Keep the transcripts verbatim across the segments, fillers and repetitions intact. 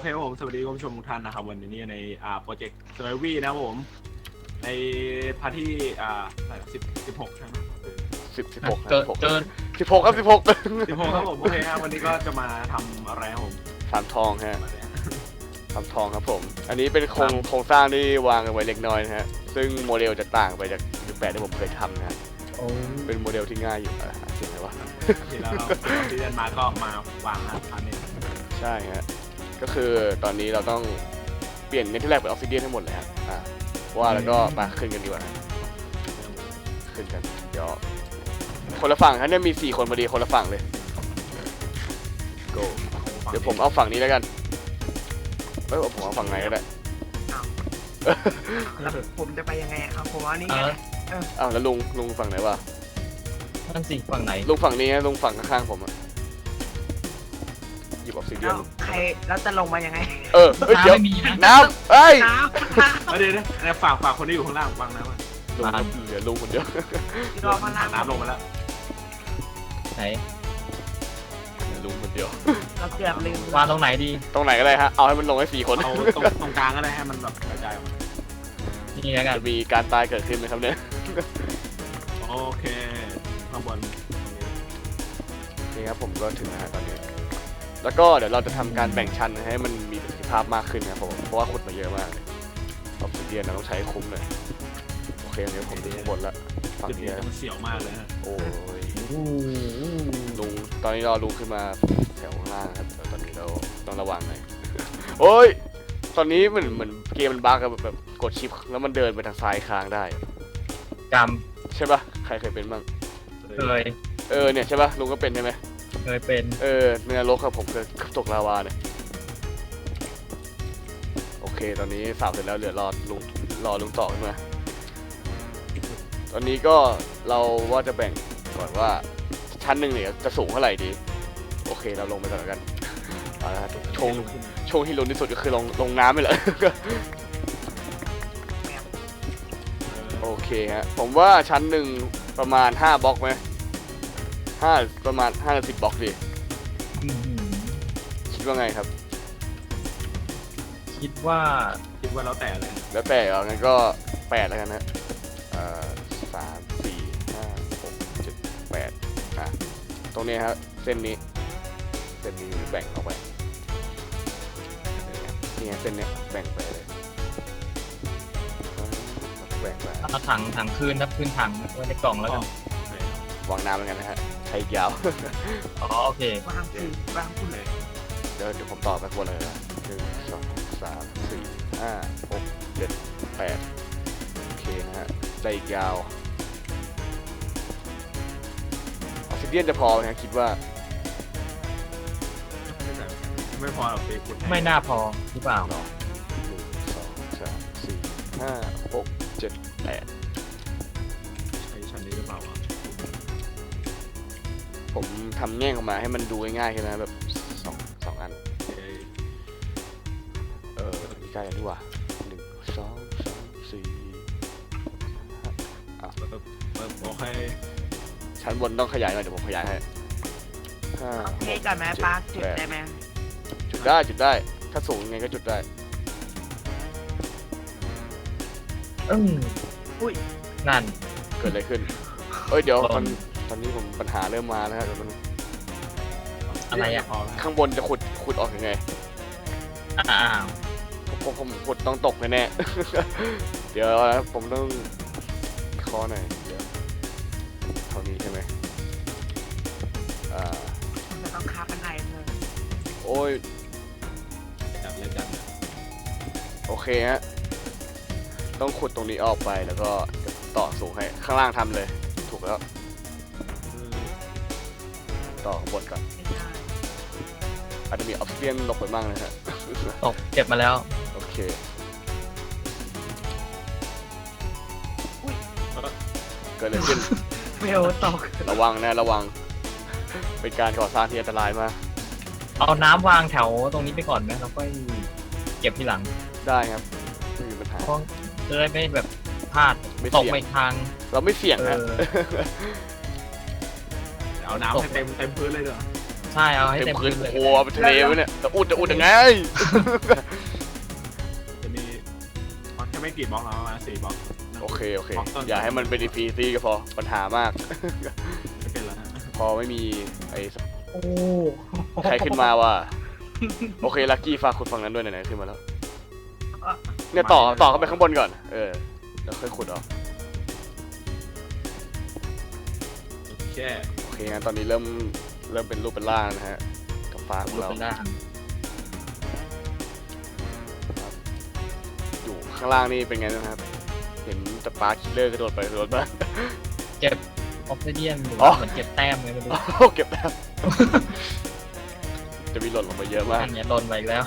เคครับผมสวัสดีคุณผู้ชมทุกท่านนะครับวันนี้ในอ่าโปรเจกต์เซอร์วีนะครับผมในพาร์ทที่อ่าสิบสิบหกใช่ไหมสิบสิบหกเกินเกินสิบหกครับสิบหกสิบหกครับผมโอเคครับวันนี้ก็จะมาทำอะไรครับผมสามทองฮะสามทองครับผมอันนี้เป็นโครงโครงสร้างที่วางกันไว้เล็กน้อยนะฮะซึ่งโมเดลจะต่างไปจากยุคแปดที่ผมเคยทำนะฮะโอ้เป็นโมเดลที่ง่ายอยู่อ่ะเสียงอะไรวะที่เราที่เดินมาก็มาวางนะอันนี้ใช่ฮะก็คือตอนนี้เราต้องเปลี่ยนเนเธอร์แลนด์เป็นออฟซิเดียนให้หมดเลยฮะอ่ะว่าแล้วก็มาขึ้นกันดีกว่านะขึ้นกันเดี๋ยวคนละฝั่งฮะเนี่ยมีสี่คนพอดีคนละฝั่งเลย go เดี๋ยวผมเอาฝั่งนี้แล้วกันเอ้ยผมเอาฝั่งไหนก็ได้แล้วผมจะไปยังไงครับผมว่านี่เอไงออ้าวแล้วลุงลุงฝั่งไหนวะนั่นสิฝั่งไหนลุงฝั่งนี้ฮะลุงฝั่งข้างๆผมอะหยิบออฟซิเดียเอ้าน ใครแล้วจะลงมายังไงเออเฮ้ยเดี๋ยวไม่มีนะน้ำเอ้ยน้เดี๋ยวนะฝากฝากคนที่อยู่ข้างล่างวางน้ำมาลุงเหลือลุงคนเดียวำรอมาล้างน้ำลงมาแล้วไหนเหลือลุงคนเดียวเราเกือบลืมวางตรงไหนดีตรงไหนก็ได้ฮะเอาให้มันลงให้สี่คนเอาตรงตรงกลางก็ได้ให้มันแบบกระจายออกมานี่แล้วกันจะมีการตายเกิดขึ้นไหมครับเนี่ยโอเคข้างบนตรงนี้นี่ครับผมก็ถึงแล้วฮะตอนนี้ แล้วก็เดี๋ยวเราจะทำการแบ่งชั้นให้มันมีประสิทธิภาพมากขึ้นนะครับผมเพราะว่าขุดมาเยอะมากออฟซิเดียนเราต้องใช้คุ้มเลยโอเคเดี๋ยวผมถึงข้างบนละฝั่งจุดนี้นี้นะต้องเสียวมากเลยฮะโอ้ยโอ้ลุงตอนนี้เราลุงขึ้นมาแถวข้างล่างครับแต่ตอนนี้เราต้องระวังหน่อย โอ้ยตอนนี้เหมือนเหมือนเกมมันบั๊กอะแบบแบบกดชิปแล้วมันเดินไปทางซ้ายค้างได้กรรมใช่ปะใครเคยเป็นบ้างเคยเออเนี่ยใช่ปะลุงก็เป็นใช่ไหมเคยเป็นเออในนรกครับผมเคยตกลาวาเนี่ยโอเคตอนนี้สาวเสร็จแล้วเหลือรอลุงรอลุงต่อขึ้นมาตอนนี้ก็เราว่าจะแบ่งก่อนว่าชั้นหนึ่งเนี่ยจะสูงเท่าไหร่ดีโอเคเราลงไปก่อนแล้วกันเอาละครับชงชงที่ลงที่สุดก็คือลงลงน้ำไปเลย โอเคฮะผมว่าชั้นหนึ่งประมาณห้าบล็อกไหมห้าประมาณห้าสิบบล็อกดิอื้อหือคิดว่าไงครับคิดว่าคิดว่าแล้วแต่เลยแล้วแต่เอางั้นก็แปดแล้วกันนะเอ่อสามสี่ห้าหกเจ็ดแปดอ่ะตรงนี้ครับเส้นนี้เส้นนี้แบ่งออกไปนี่ไงเส้นเนี้ยแบ่งไปเลยแบ่งไปเอาถังถังคืนครับคืนถังไว้ในกล่องแล้วกันวางน้ำเหมือนกันนะฮะใช้ยาวอ๋อโอเควางคือวางคุณเลยเดี๋ยวเดี๋ยวผมตอบไปคนเลยนะหนึ่งสองสามสี่ห้าหกเจ็ดแปดโอเคนะฮะได้อีกยาวออกซิเดียนจะพอไหมฮะคิดว่าไม่พอหรอกไปขุดไม่น่าพอหรือเปล่าหนึ่งสองสามสี่ห้าหกเจ็ดแปดใช้ชั้นนี้หรือเปล่าวะผมทำแง่งออกมาให้มันดูง่ายๆใช่ไหมแบบสองสองอันเอ้ยเออนี่ใกล้แล้วนี่หว่าหนึ่งสองสามสี่ห้าเปิดเปิดโอเคชั้นบนต้องขยายหน่อยเดี๋ยวผมขยายให้ห้าเทก่อนไหมปาร์คจุดได้ไหมจุดได้จุดได้ถ้าสูงยังไงก็จุดได้อืมอุ้ยนั่นเกิดอะไรขึ้นเอ้ยเดี๋ยวลตออง นตอนนี้ผมปัญหาเริ่มมาแล้วฮะเดี๋ยวมันอะไรอะพอแล้วข้างบนจะขุดขุดออกยังไงอ้าวผมผมผมขุดต้องตกแน่ๆ เดี๋ยวนะผมต้องเคอหน่อยเดี๋ยวเท่านี้ใช่ไหมอ่าผมจะต้องคาบันไดเลยโอ้ยจับเลยจับโอเคฮะต้องขุดตรงนี้ออกไปแล้วก็จะต่อสูงให้ข้างล่างทำเลยถูกแล้วต่อข้างบนก่อนไม่ได้อาจจะมีออฟเฟียนหลบไปบ้างนะฮะตกเจ็บมาแล้วโอเคเกิดอะไรขึ้นเฟลตกระวังนะระวัง เป็นการก่อสร้างที่อันตรายมากเอาน้ำวางแถวตรงนี้ไปก่อนไหมแล้วค่อยเก็บทีหลังได้ครับไม่มีปัญหาเพราะจะได้ไม่แบบพลาดไม่ตกเสี่ยงไปทางเราไม่เสี่ยงเอนะอเอาน้ำให้เต็มเต็มพื้นเลยเด้อใใช่เอาให้เต็เต็มมพื้นเลยโอ้โหเป็นทะเลวะเนี่ยแต่อุดจะอุดยังไงจะมีมันแค่ไม่กี่บล็อกแล้วประมาณสี่บล็อกโอเคโอเคบล็กต้นอย่าให้มันเป็นอีพีซีก็พอปัญหามากไม่เป็นแล้วฮะพอไม่มีไอ้โอ้ใครขึ้นมาว่ะโอเคลักกี้ฝากขุดฝั่งนั้นด้วยไหนๆขึ้นมาแล้วเนี่ยต่อต่อเข้าไปข้างบนก่อนเออแล้วค่อยขุดออกแค่โอเคงั้นตอนนี้เริ่มเริ่มเป็นรูปเป็นร่างนะฮะกับฟ้าของรูปเราเป็นล่างอยู่ข้างล่างนี่เป็นไงนะครับ เห็นแต่ปลาคิลเลอร์กระโดดไปกระโดดมาเก็บออฟซิเดียนหรืออ๋อว่าเหมือนเก็บแต้มไงไม่รู้โอ้เก็บแล้ว จะมีหล่นลงมาเยอะมากอันเนี้ยโดนไปอีกแล้ว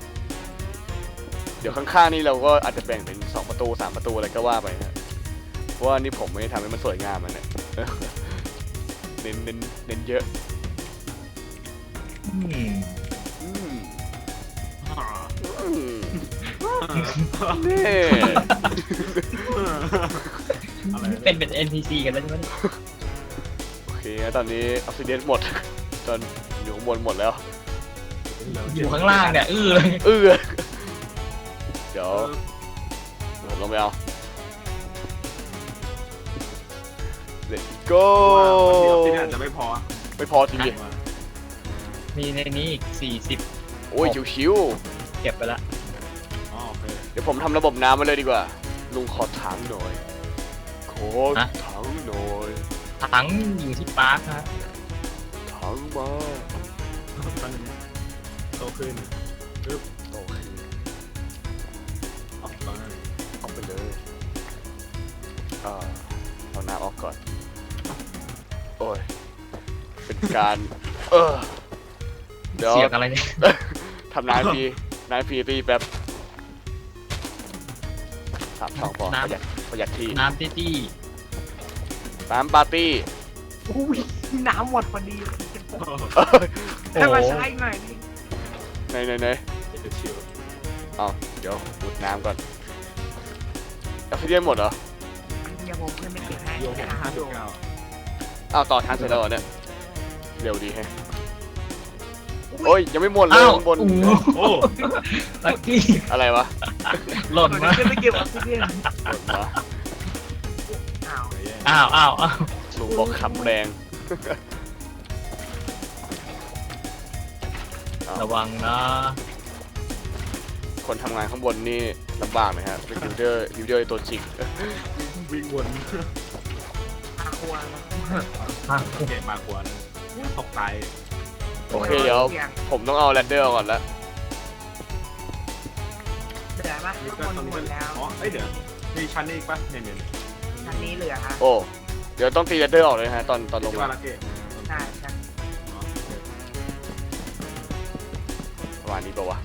เดี๋ยวข้างๆนี่เราก็อาจจะแบ่งเป็นสองประตูสามประตูอะไรก็ว่าไปนะเพราะว่านี่ผมไม่ได้ทำให้มันสวยงามมันเนี่ย เน้นเน้นเน้นเยอะอืมอืมอ่าอืมนี่อะไรเป็นเป็น เอ็น พี ซี กันแล้วใช่ไหมโอเคนะตอนนี้ออกซิเดนหมด จนอยู่ข้างบนหมดแล้วอยู่ข้างล่างเนี่ยอื้อเลยเออเดี๋ยวผมลงไปเอา Let's go เดี๋ยวที่นี่อาจจะไม่พอไม่พอทีมีในนี้อีกสี่สิบโอ้ยชิวเก็บไปละอ๋อโอเคๆเดี๋ยวผมทำระบบน้ำมาเลยดีกว่า ลุงขอถังหน่อย ขอถังหน่อยถังอยู่ที่ปาร์คฮะถังมาตั้งโตขึ้นปึ๊บโอเคออกไปเอาไปเลยอ่าเอาน้ำออกก่อน โอ้ย เป็นการ เออ เดี๋ยวเสียงอะไรเนี่ยทำนายฟรีนายฟรีฟรีแป๊บสามช่องพอประหยัดประหยัดที่น้ำตี้ตี้น้ำปาร์ตี้อุ้ยน้ำหมดพอดีเลยโอ้ให้โหมาใช้หน่อยดิไหนไหนไหนเดี๋ยวชิวเอาเดี๋ยวอุดน้ำก่อนออกซิเดียนหมดเหรอเดี๋ยวผมเพื่อนไปเก็บให้โยกห้าสิบเก้าอ้าวต่อทางเสร็จแล้วเหรอเนี่ยเร็วดีแฮะโอ้ยยังไม่หมดเลยอ้าวข้างบนโอ้โหโอ้ลักกี้อะไรวะหล่นผมมาขึ้นไปเก็บออกซิเจนหมดวะอ้าวอ้าวอ้าวอ้าวลุงบอกขับแรงระวังนะคนทำงานข้างบนนี่ลำบากไหมฮะเป็นยูเดอร์ยูเดอร์ตัวจริงวิ่งวนอาครัวนะอ่ะเก็บมากวนตกใจโอเคเดี๋ยว ผมต้องเอาแรดเดอร์ก่อนละเหลือปะนี่ข้างก็บนตรงนี้หมก็ดแล้วอ๋อเอ้ยเดี๋ยวมีชั้นนี้อีกปะเนี่ยเนี่ยชั้นนี้เหลือฮะโอ้เดี๋ยวต้องตีแรดเดอร์ออกเลยฮะตอนตอนลงที่มาว่าลักเก็ตใช่ใช่อ๋อประมาณนี้ปะวะ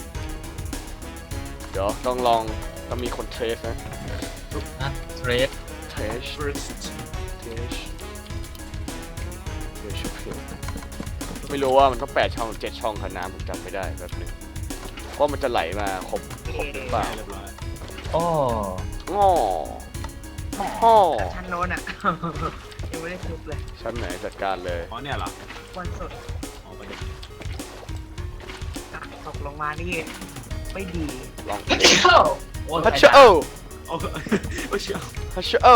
เดี๋ยวต้องลองต้องมีคนเทสนะนะเทรดเทส first เทสเทสไม่รู้ว่ามันต้องแปดช่องเจ็ดช่องขนาดผมจำไม่ได้แบบนึงเพราะมันจะไหลมาครบครบหรือเปล่าเรียบร้อยโอ้ง้อฮ่อแต่ชั้นโน้นอ่ะ ยังไม่ได้ทุบเลยชั้นไหนจัดการเลยอ๋อเนี่ยเหรอวันสุดอ๋อประเด็นอ่ะตกลงมานี่ไม่ดีลองโอ้ฮัชโอโอ้โอ้เชี่ยฮัชโอ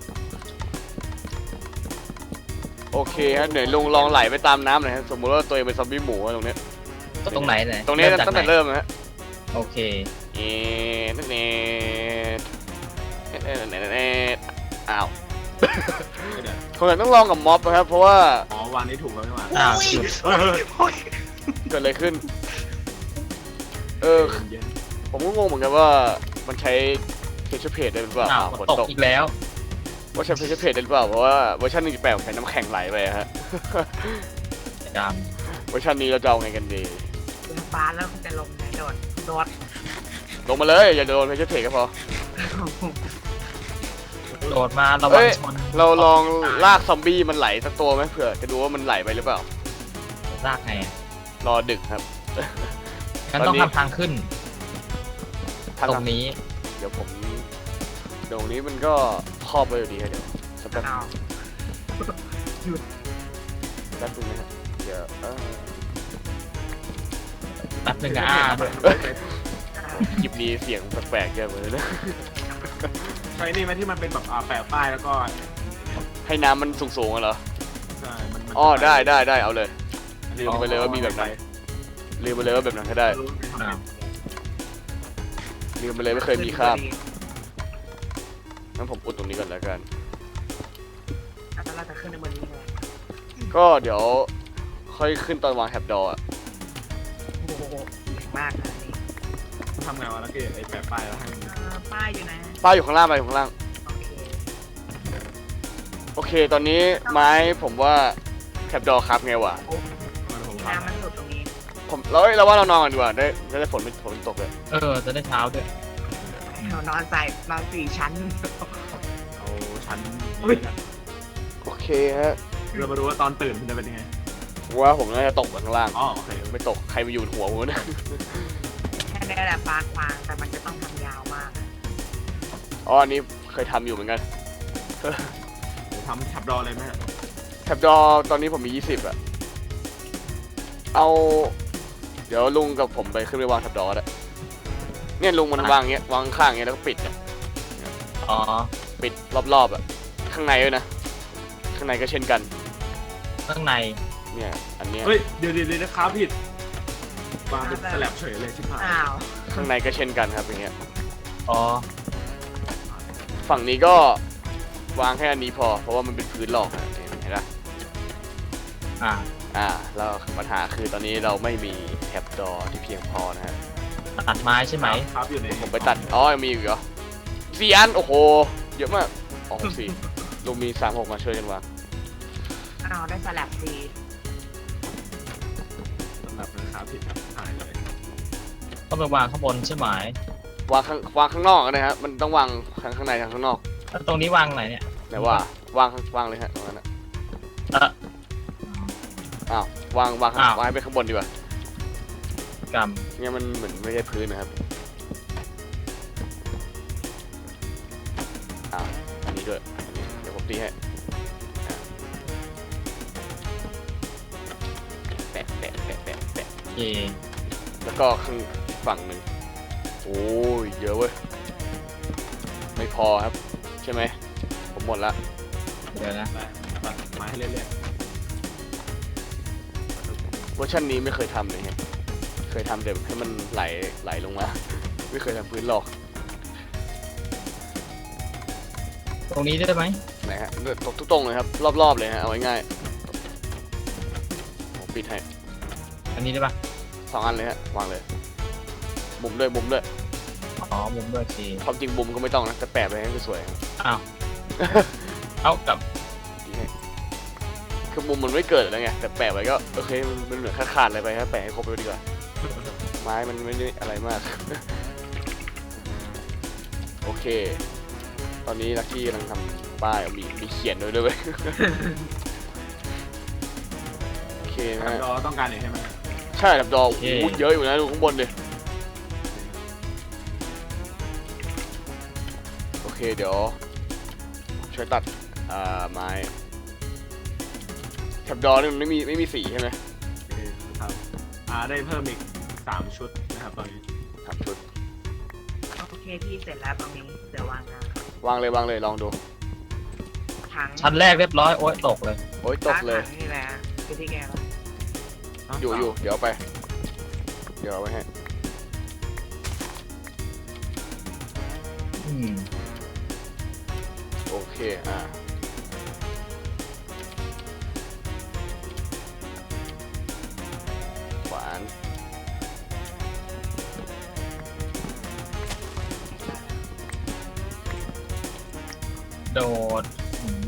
โอเคฮะเดี๋ยวลุงลองไหลไปตามน้ำหน่อยฮะสมมติว่าตัวเองเป็นซอมบี้หมูอะตรงเนี้ยตรงไหนไหนตรงนี้เมจากตั้งแต่ไหนเริ่มนะฮะโอเคเอ๊ะนั่นเองเอ๊ะเอ๊ะเอ๊ะเอ๊ะอ้าวเดี๋ยวคงจะต้องลองกับม็อบนะครับเพราะว่าอ๋อวางนี้ถูกแล้วใช่ไหมอ้าวจุดเออโอ้ยเกิดอะไรขึ้น เออเย็นผมก็งงเหมือนกันว่ามันใช้เพจเพจได้หรือเปล่าอ้าวอ้าวฝฝนนตตกกอีกแล้วว่าใช้เพจเพจได้หรือเปล่าเพราะว่าเวอร์ชันหนึ่งจุดแปดผมใช้น้ำแข็งไหลไปอะฮะจเวอร์ชันนี้เราจะเอาไงกันดีเป็นฟ้าแล้วคุณจะลงไหนโดดโดดลงมาเลยอย่าโดนเพจเพจก็พอำโดดมาระวัเอ้งยชนเราลองลากซอมบี้มันไหลสักตัวไหมเผื่อจะดูว่ามันไหลไปหรือเปล่าลากไงอะรอดึกครับงั้นตต้ออน งนี้ทำทางขึ้นทางตรงนี้เดี๋ยวผมตรงนี้มันก็ครอบไว้อยู่ดีครับเดี๋ยวสักแป๊บอ้าวแป๊บนึงนะครับเดี๋ยวเออแป๊บนึงนะอ่าด้วยคลิปนี้เสียงแปลกๆเยอะเลยนะใช่นี่ไหมที่มันเป็นแบบอ่าแปะป้ายแล้วก็ให้น้ำมันสูงๆอะเหรอใช่มันมันอ๋อได้ได้ได้เอาเลย ลืมอ๋อไปเลยว่ามีแบบนั้นลืมไปเลยว่าแบบนั้นก็ได้อ้าวลืมไปเลยไม่เคยมีคาบงั้นผมอุดตรงนี้ก่อนแล้วกันอ่ะแล้วเราจะขึ้นในบนนี้ไงก็เดี๋ยวค่อยขึ้นตอนวางแท็บดอร์อะโอ้โหใหญ่มากนะนี่ทำไงวะแล้วก็ไอ้แปะป้ายแล้วให้มันเออป้ายอยู่นะป้าอยู่ข้างล่างไปอยู่ข้างล่างโอเคโอเค ตอนนี้ไม้ผมว่าแท็บดอร์ครับไงวะมันผมน้ำมันหลุดตรงนี้ผมเราเอ้ยเราว่าเรานอนกันดีกว่าได้จะได้ฝนไม่ฝนไม่ตกเลยเออจะได้เช้าด้วยเรานอนใส่นอนสี่ชั้นเอาชั้นอุ๊ยนี้นะโอเคฮะเรามาดูว่าตอนตื่นมันจะเป็นยังไงว่าผมน่าจะตกข้างล่างอ๋อโอเคไม่ตกใครมาอยู่บนหัวผมนะแค่นี้แหละปากวางแต่มันจะต้องทำยาวมากอ๋ออันนี้เคยทำอยู่เหมือนกันเดี๋ยวทำฉับดอเลยไหมฮะแท็บดอร์ตอนนี้ผมมียี่สิบอะเอาเดี๋ยวลุงกับผมไปขึ้นไปวางแท็บดอร์อะเนี่ยลุงมันวางเงี้ยวางข้างเงี้ยแล้วก็ปิดอะอ๋อปิดรอบๆอะข้างในด้วยนะข้างในก็เช่นกันข้างในเนี่ยอันเนี้ยเฮ้ยเดี๋ยวเดี๋ยวเดี๋ยวนะครับผิดมาเป็นสลับเฉยเลยชิบหายอ้าวข้างในก็เช่นกันครับอย่างเงี้ยอ๋อฝั่งนี้ก็วางแค่อันนี้พอเพราะว่ามันเป็นพื้นหลอกนะเห็นไหมอ่าอ่าแล้วปัญหาคือตอนนี้เราไม่มีแท็บดอร์ที่เพียงพอนะฮะตัดไม้ใช่ไหมครับอยู่ในผมไปตัดอ๋อยังมีอีกเหรอสี่อันโอ้โหเยอะมากอ๋อสี่ลุงมีสามหกมาช่วยกันวางอ้าวได้สลับสีสำหรับนะครับผิดครับหายเลยต้องไปวางข้างบนใช่ไหมวางข้างวางข้างนอกนะฮะมันต้องวางทั้งข้างในทั้งข้างนอกแล้วตรงนี้วางไหนเนี่ยไหนว่าวางข้างวางเลยฮะตรงนั้นนะเอออ้าววางวางข้างอ้าววางให้ไปข้างบนดีกว่ากรรมเนี่ยมันเหมือนไม่ใช่พื้นนะครับอ้าวอันนี้ด้วยอันนี้เดี๋ยวผมตีให้อ่ะแปะแปะแปะแปะแปะโอเคแล้วก็ข้างฝั่งหนึ่งโอ้ยเยอะเว้ยไม่พอครับใช่ไหมผมหมดละเดี๋ยวนะไปตัดไม้ให้เรื่อยเวอร์ชันนี้ไม่เคยทำเลยฮะเคยทำแต่ให้มันไหลไหลลงมา ไม่เคยทำพื้นหรอกตรงนี้ได้ไหมไหนฮะตกทุกตรงเลยครับรอบๆเลยฮะเอาง่ายๆผมปิดให้อันนี้ได้ปะสองอันเลยฮะวางเลยมุมด้วยมุมด้วยอ๋อมุมด้วยโอเคความจริงมุมก็ไม่ต้องนะแต่แปะไปให้สวยๆครับอ้าวเอากลับดีให้คือมุมมันไม่เกิดแล้วไงแต่แปะไว้ก็โอเคมันมันเหมือนขาดๆอะไรไปครับแปะให้ครบไปดีกว่าไม้มันไม่ได้อะไรมาก โอเค ตอนนี้ลักกี้กำลังทำป้ายมีมีเขียนด้วยด้วยเวย โอเคๆนะครับฮะเราต้องการอย่างใช่ไหมใช่ดับดอกโอ้โหเยอะอยู่นะดูข้างบนดิโอเคเดี๋ยวช่วยตัดอ่าไม้แถบดอนี่มันไม่มีไม่มีสีใช่ไหมโอเคครับอ่าได้เพิ่มอีกสามชุดนะครับตอนนี้ครับชุดโอเคพี่เสร็จแล้วตรงนี้เดี๋ยววางนะวางเลยวางเลยลองดูถังชั้นแรกเรียบร้อยโอ๊ยตกเลยโอ้ยตกเลยถังนี่แหละคือที่แกวะอยู่อยู่เดี๋ยวเอาไป เดี๋ยวเอาไว้ให้อืมโอเคอ่าขวานโดดอืม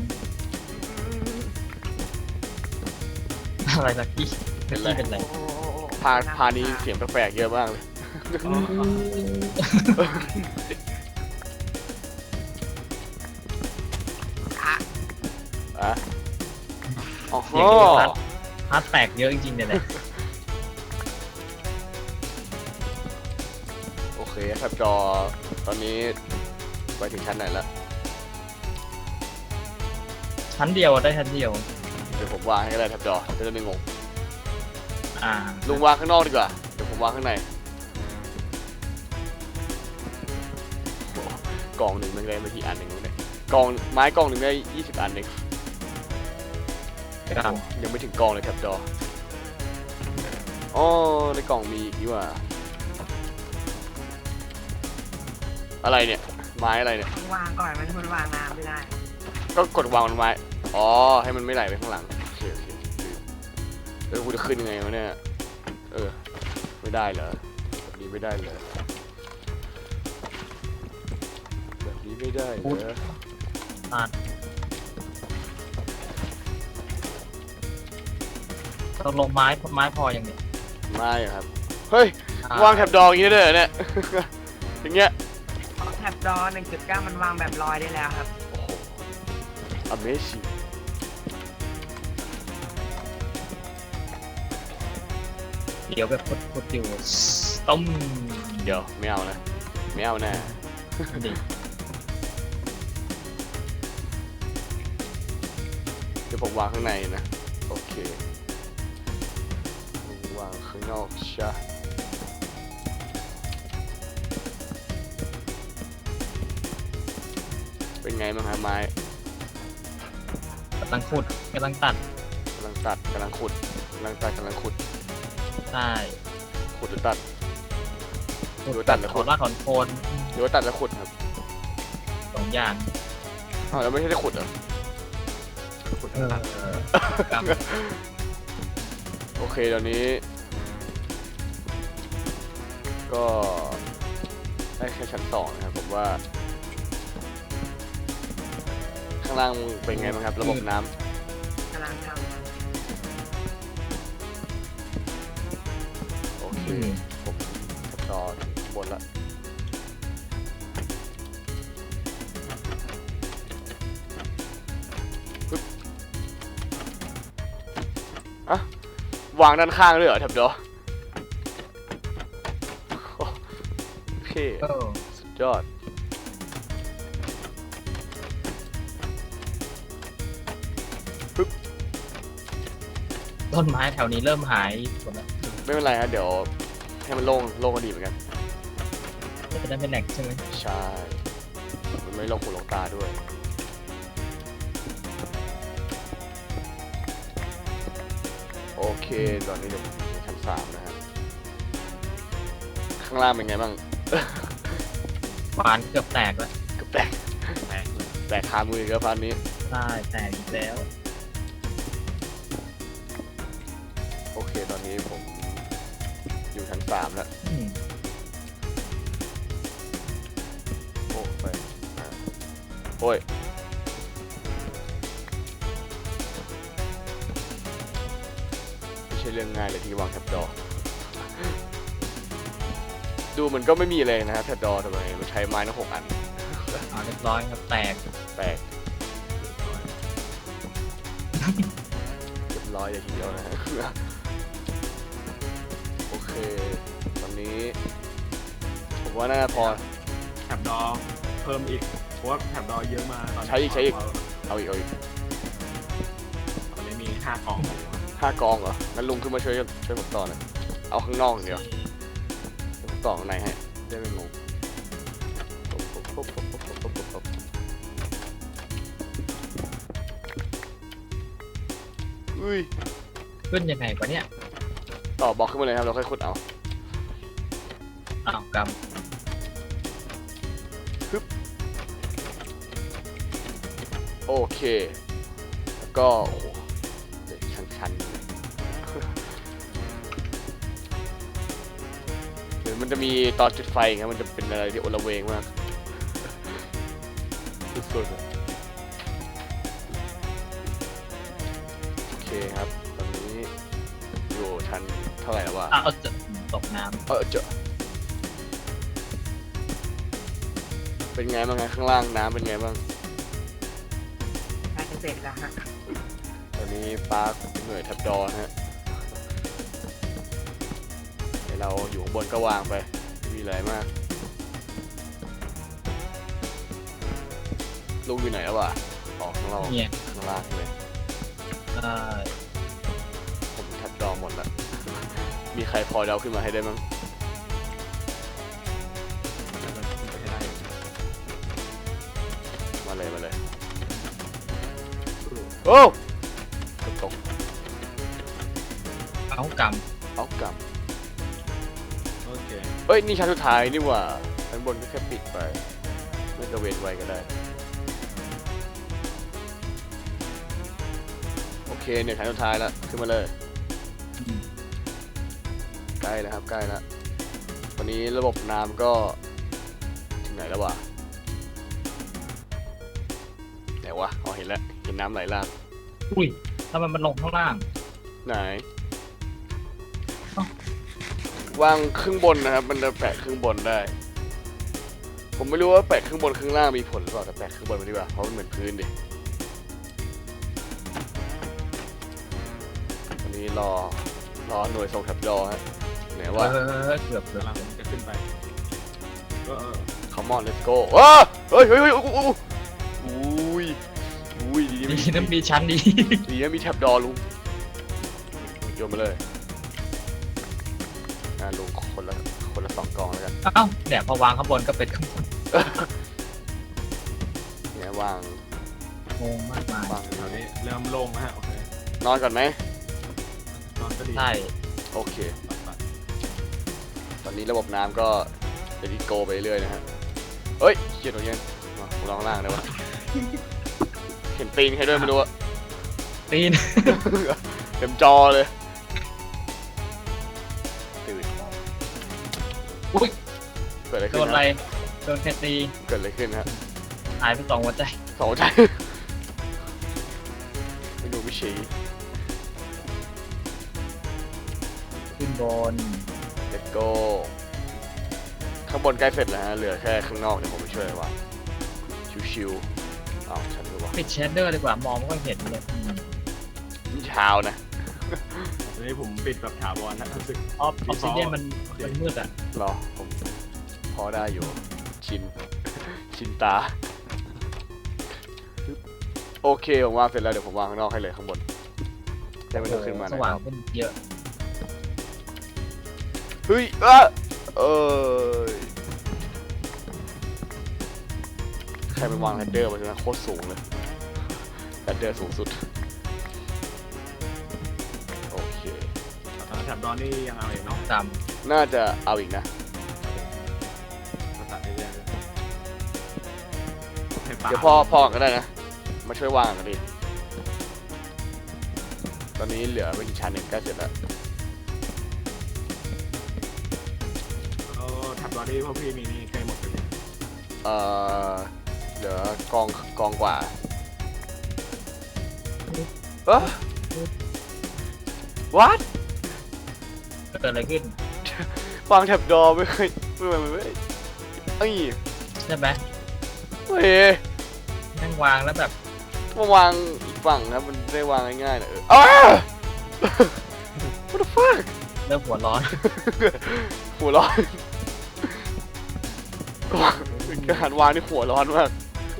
อะไรสักที่เป็นไรเป็นไรโอ้โหพาพานี้เสียงแปลกๆเยอะมากเลยอ๋ออ่ะอ่ะอ๋อเสียงเยอะครับ ฮาร์ดแตกเยอะจริงๆเนี่ยแหละโอเคครับจอตอนนี้ไปถึงชั้นไหนแล้วชั้นเดียวอะได้ชั้นเดียวเดี๋ยวผมวางให้ก็ได้ครับจอจะได้ไม่งงอ่าลุงวางข้างนอกดีกว่าเดี๋ยวผมวางข้างในโอ้โหกล่องหนึ่งมันได้ไม่กี่อันเองเนี่ยกล่องไม้กล่องหนึ่งได้ยี่สิบอันเองครับยังไม่ถึงกล่องเลยครับจออ๋อในกล่องมีอีกนี่หว่าอะไรเนี่ยไม้อะไรเนี่ยต้องวางก่อนมันมันวางน้ำไม่ได้ก็กดวางบนไม้อ๋อให้มันไม่ไหลไปข้างหลังโอเคโอเคลืมเออกูจะขึ้นยังไงวะเนี่ยเออไม่ได้เหรอแบบนี้ไม่ได้เหรอแบบนี้ไม่ได้เหรออ่าตกลงไม้ไม้พออย่างเนี้ยไม่อะครับเฮ้ยอ่วางแถบดอกอย่างนี้ได้เลยเหรอเนี่ย อย่างเงี้ยแท็บดอหนึ่งจุดเก้ามันวางแบบลอยได้แล้วครับโอ้โห Amazing เดี๋ยวแบบพดๆอยู่ต้มเดี๋ยวไม่เอานะไม่เอาแน่ดิเดี๋ยวผมวางข้างในนะโอเค วางข้างนอกใช่เป็นไงบ้างครับไม้กำลังขุดกำลังตัดกำลังตัดกำลังขุดกำลังตัดกำลังขุดใช่ขุดหรือตัดขุดหรือตัดหรือถขุอดนรากถอนโคนหรือว่าตัดแล้วขุดครับสองอย่างอ้าวแล้วไม่ใช่ได้ขุดเหรอขุดเออตัดครับโอเคตอนนี้ ก็ได้แค่ชั้นสองนะครับผมว่า ข้างล่างเป็นไงบ้างครับ ระบบน้ำกำลังทโอเคอืมผมต่อบนละปึ๊บอะวางด้านข้างด้วยเหรอแถบดอโอเคเออสุดยอดต้นไม้แถวนี้เริ่มหายหมดแล้วไม่เป็นไรฮะเดี๋ยวให้มันโล่งโล่งก็ดีเหมือนกันจะได้ไม่แหลกใช่ไหมใช่ มันไม่ลงหูลงตาด้วย โอเค ตอนนี้เดี๋ยวผมอยู่ชั้นสามนะฮะ ข้างล่างเป็นไงบ้างบานเกือบแตกแล้วเกือบแตกแตกเลยแตกคามืออีกแล้วพันนี้ใช่แตกอีกแล้วโอเค ตอนนี้ผมอยู่ชั้นสามแล้วอืมโอ้ไปอ่ะโอ้ย ไม่ใช่เรื่องง่ายเลยที่วางแท็บดอ ดูมันก็ไม่มีอะไรนะฮะแท็บดอทำไมมันใช้ไม้ทั้งหกอันเอาเรียบร้อยครับแตกแตกเรียบร้อยเลยทีเดียวนะฮะ โอเค ตอนนี้ ผมว่าน่าจะพอแถบดอเพิ่มอีกเพราะว่าแถบดอเยอะมาตอนนี้ใช้อีกใช้อีก เอาอีกเอาอีกตอนนี้มีห้ากล่องห้ากองเหรอ งั้นลุงขึ้นมาช่วยช่วยผมต่อหน่อยเอาข้างนอกอย่างเดียวเดี๋ยวผมต่อข้างในให้ได้ไม่งงปุ๊บปุ๊บปุ๊บปุ๊บปุ๊บปุ๊บปุ๊บปุ๊บอุ้ยขึ้นยังไงวะเนี่ยต่อบล็อกขึ้นมาเลยครับเราค่อยขุดเอาอ้าวกโอเค แล้วก็โอ้โหเหล็กชันๆเลย เดี๋ยวมันจะมีตอนจุดไฟครับมันจะเป็นอะไรที่โอละเวงมาก สุดๆอะโอเคครับ ตอนนี้อยู่ชั้นเท่าไหร่แล้ววะำอ้าวเอาจะตกน้เออเจอเป็นไงบ้างไงข้างล่างน้ำเป็นไงบ้างำใกล้จะเสร็จแล้วฮะตอนนี้ปาร์คเหนื่อยแทบดอนะฮะให้เราอยู่ข้างบนก็วางไปไม่มีอะไรมากลุงอยู่ไหนแล้ววะออกข้างนอกำเนี่ยข้างล่างเลยเอ่อผมแทบดอหมดแล้วมีใครพอเดาขึ้นมาให้ได้มั้งแล้วก็ขึ้นไปให้ได้มาเลยมาเลยโอ้ตกเอากเอากลับโอเคเอ้ยนี่ชั้นสุดท้ายนี่หว่าชั้นบนก็แค่ปิดไปไม่กระเวนไว้ก็ได้โอเคเนี่ยชั้นสุดท้ายแล้วขึ้นมาเลยำใกล้แล้วครับใกล้แล้ววันนี้ระบบน้ำก็ถึงไหนแล้ววะไหนวะอ๋อเห็นแล้วเห็นน้ำไหลลากอุ้ยทำไมมันลงข้างล่างไหนเอ้าวางครึ่งบนนะครับมันจะแปะครึ่งบนได้ ผมไม่รู้ว่าแปะครึ่งบนครึ่งล่างมีผลหรือเปล่าแต่แปะครึ่งบนไปดีกว่าเพราะมันเหมือนพื้นดิวันนี้รอรอหน่วยส่งแถบรอฮะไหนเอว่าอเกือบเกือบกำลังจะขึ้นไปก็เออ Come on let's go อ้าเฮ้ยเฮ้ยเฮ้ยอุ้ยอุ้ยอุ้ยดีดีนะนะมีชั้นดีดีนะมีแถบดอลุงโยนมาเลยอ่าลุงคนละคนละสองกองแล้วกันเอ้าเนี่ยพอวางข้างบนก็เป็นข้างบนเนี่ยวางงงมากมายวางตอนนี้เริ่มโล่งแล้วฮะโอเคนอนก่อนไหมนอนก็ดีใช่โอเคปัดตอนนี้ระบบน้ำก็เดดิโกไปเรื่อยนะฮะเฮ้ยเขียนตรงนี้มาผมลองล่างได้ปะเห็นตีนใครด้วยไม่รู้อะตีนเต็มจอเลยตื่นอุ้ยเกิดอะไรโดขึ้นนอะไรฮะโดนแคตีเกิดอะไรขึ้นฮะหายไปสองหัวใจสองใจไม่ดูไม่ชี้ขึ้นบน let's go ข้างบนใกล้เสร็จแล้วฮะเหลือแค่ข้างนอกเดี๋ยวผมไปช่วยว่างชิวๆอ้าวฉันรู้ว่าปิดเชดเดอร์ดีกว่ามองไม่ค่อยเห็นเลยอืมนี่เช้านะตอนนี้ผมปิดแบบถาวรนะรู้สึกออฟออฟซิเดียนมันมันมืดอ่ะรอผมพอได้อยู่ ชิน ชินตา โอเคผมวางเสร็จแล้วเดี๋ยวผมวางข้างนอกให้เลยข้างบนได้ไม่ต้องขึ้นมาสนะว่างขึ้นเยอะเฮ้ยอ่ะเอ้ยใครไปวางแรดเดอร์มาใช่ไหมโคตรสูงเลยแรดเดอร์สูงสุดโอเคเอ่อแถบดอนนี่ยังเอาอีกเนาะตามน่าจะเอาอีกนะมาตัดเรื่อยๆเลยให้ปลาเดี๋ยวพ่อพ่อก็ได้นะ มาช่วยวางกันดิตอนนี้เหลือไม่กี่ชั้นเองใกล้เสร็จแล้วเออแถบดอนนี่พวกพี่มีนี่ใกล้หมดเลยเอ่อเหลือกองกองกว่าเอ้อ what เกิดอะไรขึ้นวางแถบดอไม่เคยไม่ไม่ไม่ไม่เอ้ยใช่ไหมเฮ้ยนั่งวางแล้วแบบมาวางอีกฝั่งนะมันได้วางง่ายๆนะเอออ้า what the fuck เริ่มหัวร้อนหัวร้อนการหันวางนี่หัวร้อนมาก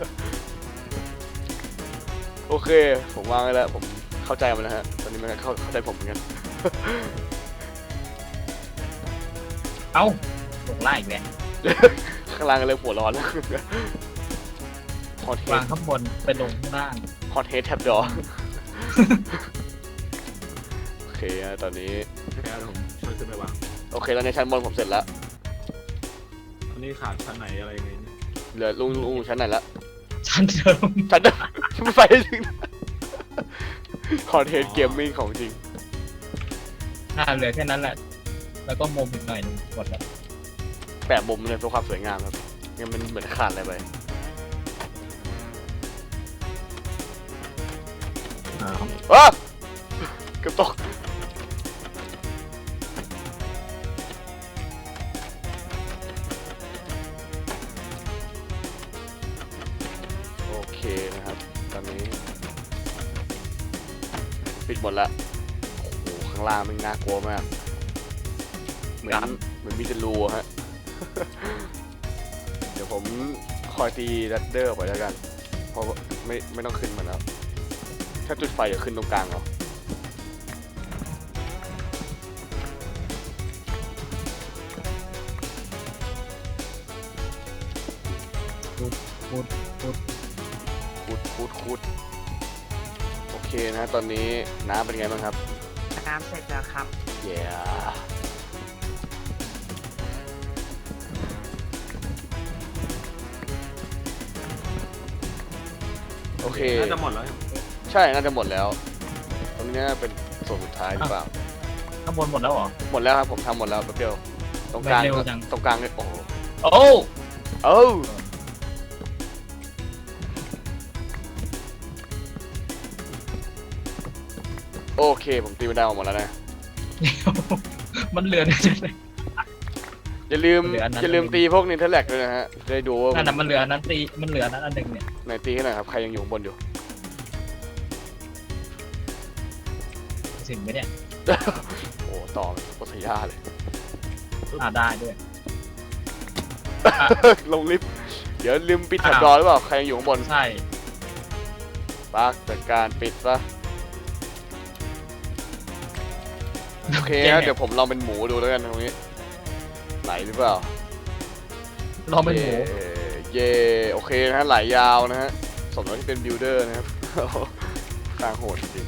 โอเค ผมวางไว้แล้ว ผมเข้าใจมันแล้วฮะ ตอนนี้มันก็เข้าเข้าใจผมเหมือนกันเอ้าลงล่างอีกแล้วข้างล่างก็เริ่มหัวร้อนแล้ว ฮอตเฮวาดงข้างบนไปลงข้างล่างฮอตเฮดแท็บดอ โอเคฮะตอนนี้แล้วผมช่วยขึ้นไปวางโอเคตอนนี้ชั้นบนผมเสร็จแล้วตอนนี้ขาดชั้นไหนอะไรยังไงเนี่ยเหลือลุงลุงชั้นไหนละชั้นเดิมชั้นเดิม ไม่ไปถึงฮอตเฮดเกมมิ่งของจริงอ่าเหลือแค่นั้นแหละ แล้วก็มุมอีกหน่อยหนึงหมดแล้วแปะมุมเลยเพื่อความสวยงามครับงั้นมันเหมือนขาดอะไรไปอ้าวอ้าเกือบตกโอเคนะครับ ตอนนี้ปิดหมดละโอ้โหข้างล่างมันน่ากลัวมากเหมือนเหมือนมีแต่รูอะฮะ เดี๋ยวผมคอยตีรัดเดอร์ไปแล้วกัน เพราะว่าไม่ไม่ต้องขึ้นมาแล้ว ถ้าจุดไฟเดี๋ยวขึ้นตรงกลางเอาพูดพูดคูดคูดคูดโอเคนะตอนนี้น้ำเป็นไงบ้างครับน้ำเสร็จแล้วครับเย้โอเคน่าจะหมดแล้วใช่น่าจะหมดแล้วตรงนี้น่าเป็นส่วนสุดท้ายหรือเปล่าข้างบนหมดแล้วเหรอหมดแล้วครับผมทำหมดแล้วแป๊บเดียวตรงกลางเร็วจังตรงกลางเนี่ยโอ้โหโอ้เอ้าโอเคผมตีมันได้ออกหมดแล้วนะมันเหลือนะจ๊ะอย่าลืมเหลืออันนั้นอย่าลืมตีพวกนินเทอร์แลกด้วยนะฮะจะได้ดูว่านั่นน่ะมันเหลืออันนั้นตีมันเหลืออันนั้นอันหนึ่งเนี่ยไหนตีให้หน่อยครับใครยังอยู่ข้างบนอยู่ถึงไหมเนี่ยโอ้ต่อโคตรยากเลยอ่าได้ด้วยลงลิฟต์เดี๋ยวลืมปิดแถบอ้าวรอหรือเปล่าใครยังอยู่ข้างบนใช่ปักจัดการปิดซะโอเคฮะเดี๋ยวผมลองเป็นหมูดูแล้วกันตรงนี้ไหลหรือเปล่าลองเป็นหมูเย่เย่โอเคนะฮะไหลยาวนะฮะสมแล้วที่เป็นบิลเดอร์นะครับ กลางโหดจริง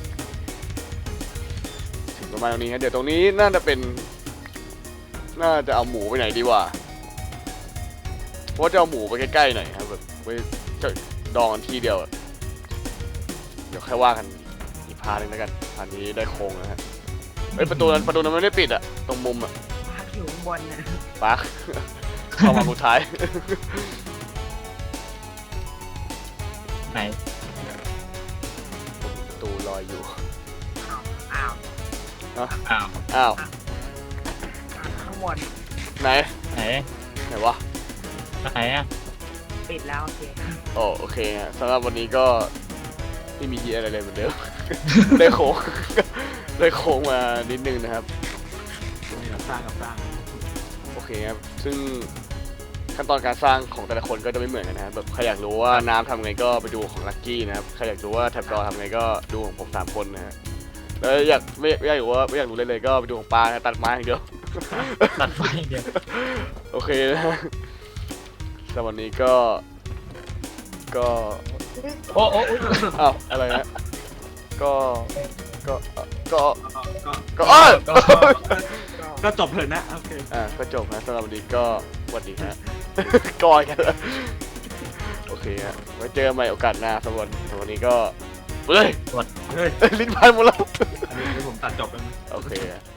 ถึงประมาณตรงนี้ฮะเดี๋ยวตรงนี้น่าจะเป็น น่าจะเอาหมูไปไหนดีวะเพราะว่าจะเอาหมูไปใกล้ๆหน่อยครับแบบไว้จะดองกันทีเดียวอะเดี๋ยวค่อยว่ากันอีกพาร์ทหนึงแล้วกันพาร์ทนี้ได้โครงนะฮะเฮ้ยประตูนั้นประตูนั้นไม่ได้ปิดอะตรงมุมอะพักอยู่ข้างบนนะปัก เข้ามาสุดท้ายไหนประตูลอยอยู่อ้าวอ้าวอ้าวอ้าวข้างบนไหนไหนไหนวะไหนอ่ะปิดแล้วโอเคโอ้โอเคฮะสำหรับวันนี้ก็ไม่มีอะไรเลยเหมือนเดิม ได้โค้ง ได้โค้งมานิดนึงนะครับนี่เราสร้างกับสร้างโอเคครับ ซึ่งขั้นตอนการสร้างของแต่ละคนก็จะไม่เหมือนกันนะครับแบบใครอยากรู้ว่าน้ำทำไงก็ไปดูของลักกี้นะครับ ใครอยากรู้ว่าแท็บดอทำไงก็ดูของผมสามคนนะฮะ แล้วอยากไม่ไม่อยากรู้ว่าไม่อยากรู้เลยเลยก็ไปดูของปลานะตัดไม้อย่างเดียวตัดไฟเดียวโอเคนะฮะสำหรับวันนี้ก็ ก็โอ้โอ้อุ๊ยอ้าวอะไรนะก็ ก็ ก็ก็ก็อ้าวก็ก็จบเลยนะโอเคอ่าก็จบนะสำหรับวันนี้ก็สวัสดีฮะ กอยกันแล้วโอเคฮะไว้เจอกันใหม่โอกาสหน้าสำหรับวันสำหรับวันนี้ก็เฮ้ยเฮ้ยลิ้นพันหมดแล้วอันนี้ผมตัดจบแล้วนะโอเคฮะ